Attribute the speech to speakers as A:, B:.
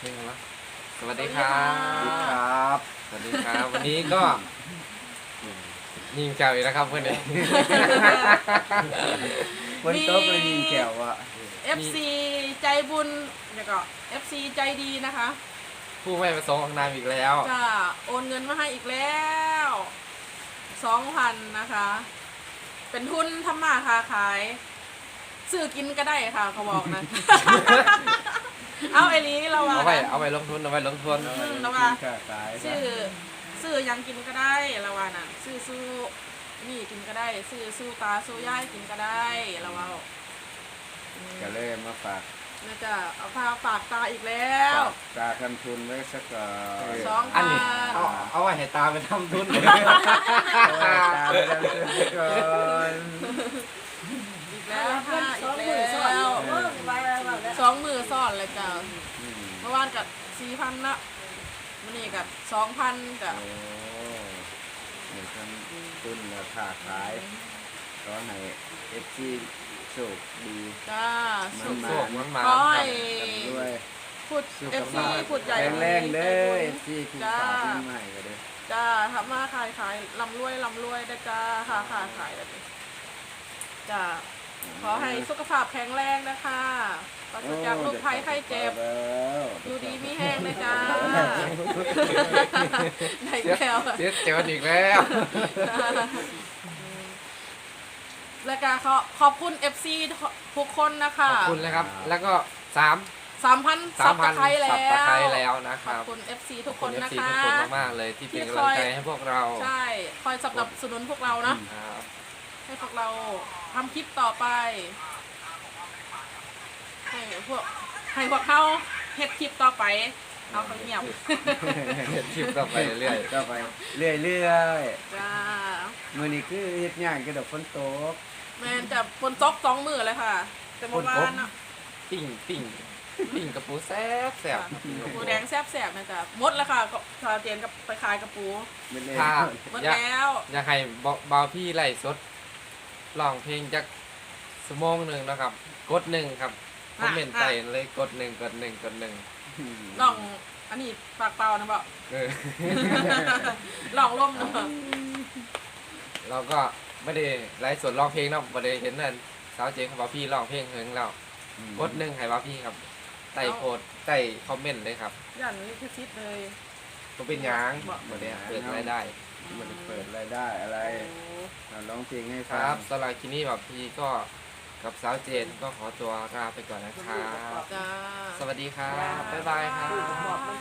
A: ลงวะสวัสดีครับ สวัสดีครับ วันนี้ก็ยิงแก้วอีกนะครับเพื่อนเอง
B: วันโต๊ะเลยยิงแก้วอ่ะ
C: FC ใจบุญแล้วก็ FC ใจดีนะคะ
A: ผู้ไม่ประสงค์ออกนามอีกแล้ว
C: จะโอนเงินมาให้อีกแล้ว 2,000 นะคะ เป็นทุนทำมาค้าขายซื้อกินก็ได้ค่ะเขาบอกนะ เอาไอ้นี้เราว่า
A: เอาไปลงทุนเอาไปลงทุน
C: เราว่า
B: ค่าขาย
C: ซื้อยังกินก็ได้เราว่าน่ะซื้อสู้นี่กินก็ได้ซื้อสู้ตาสู้ย่ายกินก็ได้เราว่า
B: ก็เลยมาฝาก
C: น่าจะเอาพาฝากตาอีกแล้ว
B: ตาคันทุนไว้สักก่อน
C: สอง
A: อันนี้เอาไว้ให้ตาไปทำทุน
B: ตาไปทำทุนก่อน
C: อีกแล้วค่ะอีกแล้ว2 มือซ่อนเลยจ้ะเมื่อวานกับ4,000ละวันนี้กับ2,000กับ
B: โอ้หนึ่งคันทุนราคาขายก็ให้เอฟซีโชคดี
C: จ้า
B: มัน
C: สุข
B: มา
A: โศกมันมา
C: ขอให้
B: ด้วย
C: พูด FC พูดใหญ่
B: แรงๆเด้อเอฟซีคุณ
C: จ้า
B: ฝากขึ้นใหม่ก็เด้อ
C: จ้าทำมาขายลำรวยได้จ้าค่ะขายได้จ้าขอให้สุขภาพแข็งแรงนะคะปราศจากโรคภัยไข้เจ็บ อยู่ดีมีแห้งเลยจ้าได้แล้ว
A: เสียเจออีกแล้ว
C: แล้วก็ขอบคุณ FC ทุกคนนะคะ
A: ขอบคุณนะครับ แล้วก็3,000
C: 3,000 ซับตะไคร้แล้
A: ซับตะไคร้
C: ว
A: แล้วนะค
C: ขอ
A: รั
C: บบ คุณ FC ทุก
A: ข
C: ค
A: อบ
C: น
A: คุณ
C: นะ
A: FC
C: คะ
A: ทุกคนมากๆเลยที่เป็นกำลังใจให้พวกเรา
C: ใช่ คอยสนับสนุนพวกเรานะ
A: ครับ
C: ให้พวกเราทำคลิปต่อไปให้พวกเขาเฮ็ดคลิปต่อไปเอาเขาเงียบ
A: เห็นคลิปต่อไปเรื่อย
B: ก็ไปเรื่อย
C: จ้า
B: ๆมื้อนี้คือเฮ็ดงานกระดกฝนตก
C: แมนจะฝนตก2 มื้อเลยค่ะ แต่เมื่อวานน่ะ
A: ปิ้งกระปูแซ่บ
C: ปูแดงแซ่บๆนะจ๊ะหมดแล้วค่ะก็ชาเตียนกับไปขายกับปู
B: ไม่เล่น
A: ถ้า
C: หมด
A: อยาก
C: แล้ว
A: อยากให้เบาพี่ไล่สดร้องเพลงจากชั่วโมงหนึ่งนะครับ กด1ครับคอมเมนต์ใต้เลยกด1
C: ลองอันนี้ปากเปล่านะบอก
A: เออ
C: ลองล่มนะ
A: เราก็ไม่ได้ไลฟ์สดร้องเพลงเนาะไม่ได้เห็นนั่นสาวเจ๊ของเบาพี่ร้องเพลงเฮงเรากด1ให้เบาพี่ครับใต้โพสต์ใต้คอมเมนต์เลยครับ
C: ยันลิขสิทธิ์เลย
A: ก็เป็นหยังบ่ได้เปิดรายได้
B: มันเปิดรายได้อะไร
C: โอ้
B: เอาร้องเพลงให้
A: ค
B: ฟั
A: รั
B: ง
A: บสำหรับคลิปนี้แบบพี่ก็กับสาวเจนก็ขอตัวลาไปก่อนนะครับ
C: จ้า
A: สวัสดีครับ บ๊ายบายครับ